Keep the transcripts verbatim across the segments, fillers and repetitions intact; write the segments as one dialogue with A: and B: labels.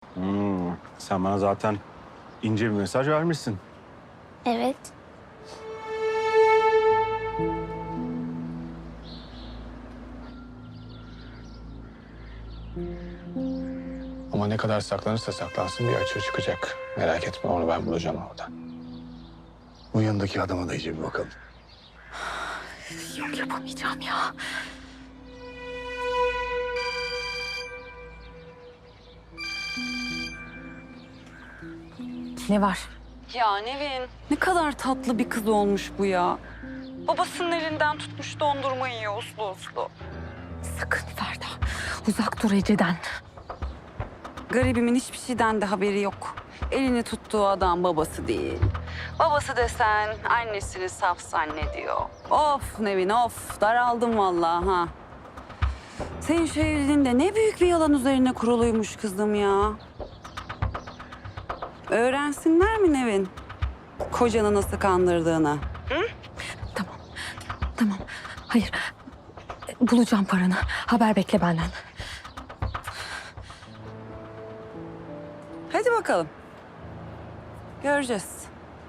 A: Hmm, sen bana zaten ince bir mesaj vermişsin.
B: Evet.
C: Ama ne kadar saklanırsa saklansın bir açığı çıkacak. Merak etme, onu ben bulacağım orada.
A: Bu yanındaki adama da iyice bir bakalım.
D: Yok, yapamayacağım ya. Ne var?
E: Ya Nevin, ne kadar tatlı bir kız olmuş bu ya. Babasının elinden tutmuş dondurma yiyor uslu uslu.
D: Sakın Ferda. Uzak dur Ece'den.
E: Garibimin hiçbir şeyden de haberi yok. Elini tuttuğu adam babası değil. Babası desen annesini saf zannediyor. Of Nevin of, daraldım vallahi ha. Senin şu evliliğin de ne büyük bir yalan üzerine kuruluymuş kızım ya. Öğrensinler mi Nevin? Kocanı nasıl kandırdığını.
D: Tamam. Tamam. Hayır. Bulacağım paranı. Haber bekle benden.
E: Hadi bakalım. Göreceğiz.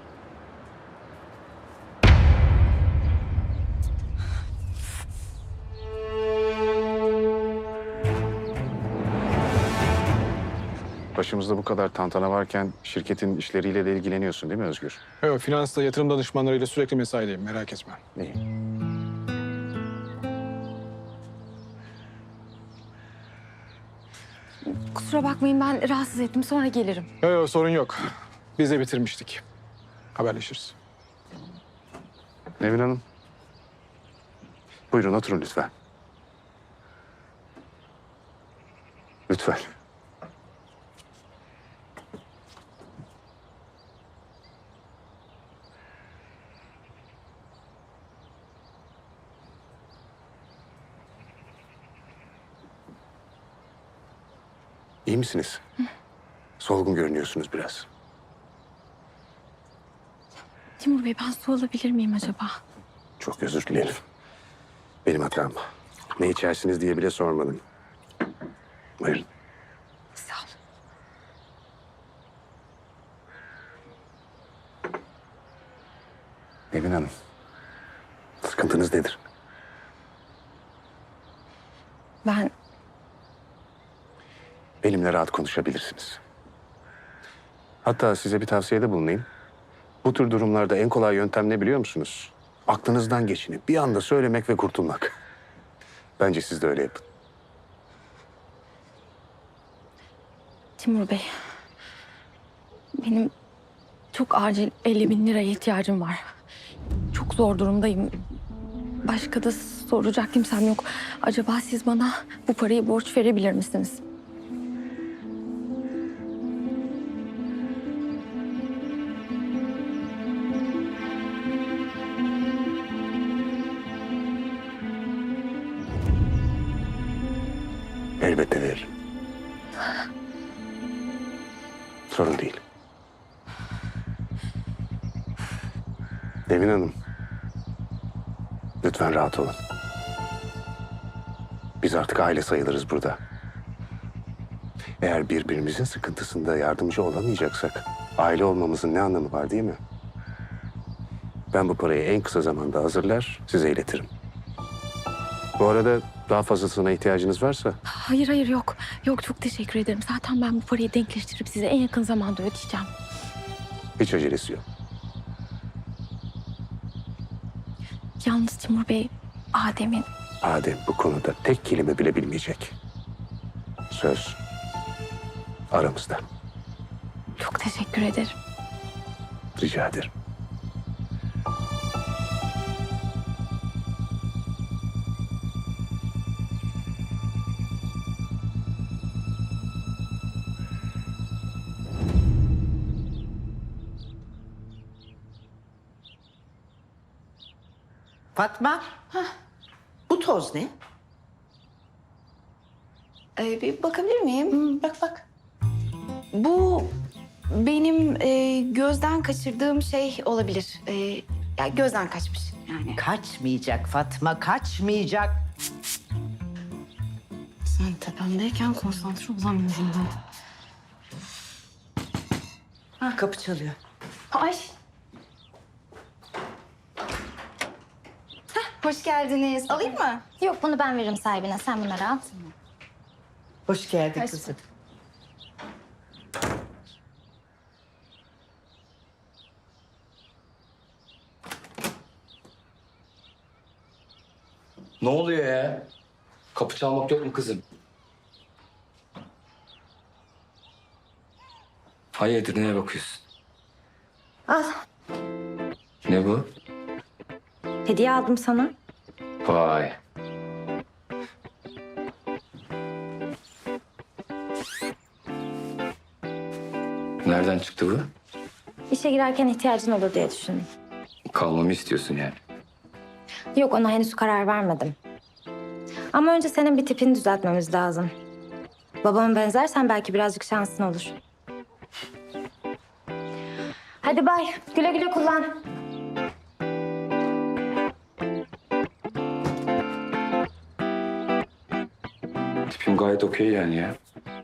F: Başımızda bu kadar tantana varken şirketin işleriyle de ilgileniyorsun değil mi Özgür?
C: Evet, finansta yatırım danışmanlarıyla sürekli mesaideyim, merak etme.
F: İyi.
D: Kusura bakmayın, ben rahatsız ettim. Sonra gelirim.
C: Yok yok, sorun yok. Biz de bitirmiştik. Haberleşiriz.
F: Nevin Hanım. Buyurun oturun lütfen. Lütfen. İyi misiniz? Solgun görünüyorsunuz biraz.
D: Timur Bey, ben su alabilir miyim acaba?
F: Çok özür dilerim. Benim hatam. Ne içersiniz diye bile sormadım. Buyurun.
D: Sağ ol.
F: Nevin Hanım. Sıkıntınız nedir?
D: Ben
F: Benimle rahat konuşabilirsiniz. Hatta size bir tavsiyede bulunayım. Bu tür durumlarda en kolay yöntem ne biliyor musunuz? Aklınızdan geçini bir anda söylemek ve kurtulmak. Bence siz de öyle yapın.
D: Timur Bey, benim çok acil elli bin liraya ihtiyacım var. Çok zor durumdayım. Başka da soracak kimsem yok. Acaba siz bana bu parayı borç verebilir misiniz?
F: Elbette veririm. Sorun değil. Nevin Hanım. Lütfen rahat olun. Biz artık aile sayılırız burada. Eğer birbirimizin sıkıntısında yardımcı olamayacaksak aile olmamızın ne anlamı var değil mi? Ben bu parayı en kısa zamanda hazırlar, size iletirim. Bu arada daha fazlasına ihtiyacınız varsa
D: Hayır hayır yok. Yok, çok teşekkür ederim. Zaten ben bu parayı denkleştirip size en yakın zamanda ödeyeceğim.
F: hiç acelesi yok.
D: Yalnız Timur Bey, Adem'in
F: Adem bu konuda tek kelime bile bilmeyecek. Söz aramızda.
D: çok teşekkür ederim.
F: Rica ederim.
G: Fatma. Bu toz ne?
H: Ee, bir bakabilir miyim?
G: Hmm, bak bak.
H: Bu benim e, gözden kaçırdığım şey olabilir. E, ya gözden kaçmış yani.
G: Kaçmayacak Fatma, kaçmayacak.
H: Sen tepemdeyken konsantre olamıyorum ben.
G: Kapı çalıyor.
H: Ay. Heh, hoş geldiniz. Alayım mı?
B: Yok bunu ben veririm sahibine. Sen bunları al.
G: Hoş geldin
H: Hoş
G: kızım.
I: Ne oluyor ya? Kapı çalmak yok mu kızım? Hayırdır, neye bakıyorsun?
B: Al.
I: Ne bu?
B: Hediye aldım sana.
I: Vay. Nereden çıktı bu?
B: İşe girerken ihtiyacın olur diye düşündüm.
I: Kalmamı istiyorsun yani.
B: Yok ona henüz karar vermedim. Ama önce senin bir tipini düzeltmemiz lazım. Babama benzersen belki birazcık şansın olur. Hadi bay. Güle güle kullan.
I: Tipim gayet okey yani ya.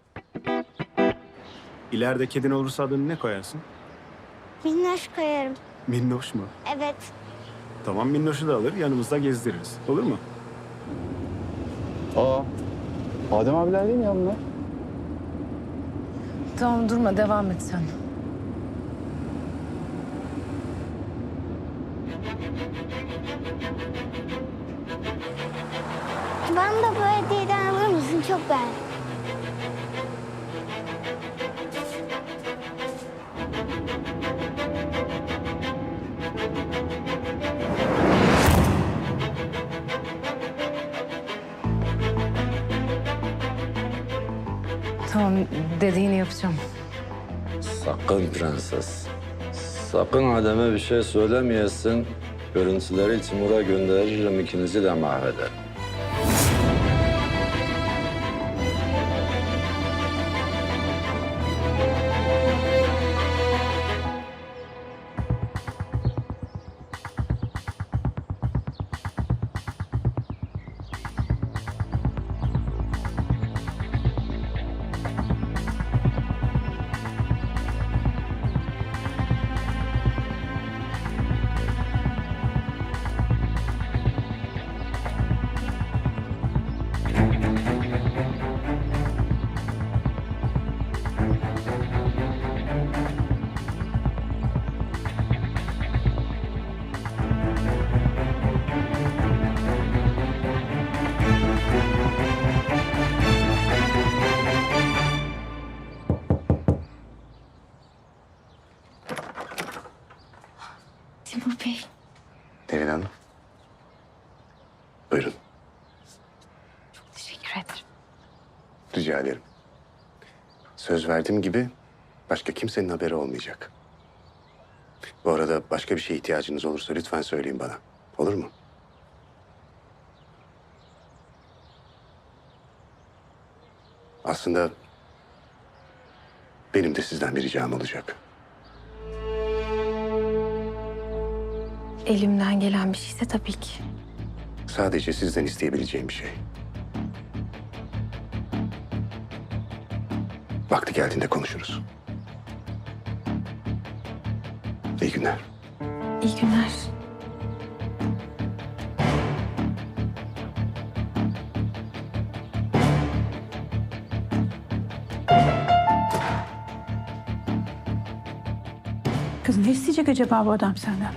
A: İleride kedin olursa adını ne koyarsın?
J: Minnoş koyarım.
A: Minnoş mu?
J: Evet.
A: Tamam, Minnoş'u da alır, yanımızda gezdiririz. Olur mu?
C: Aa, Adem abiler değil mi ya bunlar?
D: Tamam durma devam et sen.
J: Bana da bu hediyeden alır mısın? Çok beğendim.
D: Tamam dediğini yapacağım.
K: Sakın prenses. Sakın Adem'e bir şey söylemeyesin. Görüntüleri Timur'a gönderirim, ikinizi de mahvederim.
H: Timur Bey.
F: Nevin Hanım. Buyurun.
H: Teşekkür ederim.
F: Rica ederim. Söz verdiğim gibi başka kimsenin haberi olmayacak. Bu arada başka bir şeye ihtiyacınız olursa lütfen söyleyin bana. Olur mu? Aslında benim de sizden bir ricam olacak.
D: Elimden gelen bir şeyse tabii ki.
F: Sadece sizden isteyebileceğim bir şey. Vakti geldiğinde konuşuruz. İyi günler.
D: İyi günler.
L: Kız ne isteyecek acaba bu adam senden?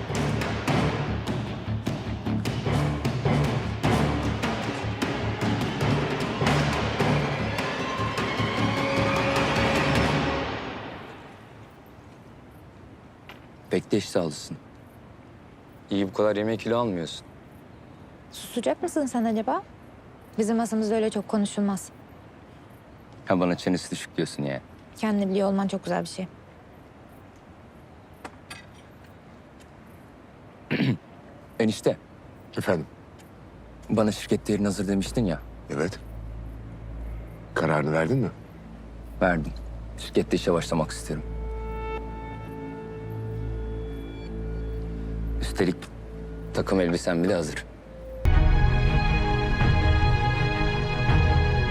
I: Pek de iştahlısın. İyi bu kadar yemek kilo almıyorsun.
B: Susacak mısın sen acaba? Bizim masamızda öyle çok konuşulmaz.
I: Ha bana çenesi düşük diyorsun ya.
B: Kendini biliyor olman çok güzel bir şey.
I: Enişte,
F: Efendim?
I: bana şirket değerini hazır demiştin ya.
F: Evet. Kararını verdin mi?
I: Verdim. Şirkette işe başlamak isterim. Üstelik takım elbisem bile hazır.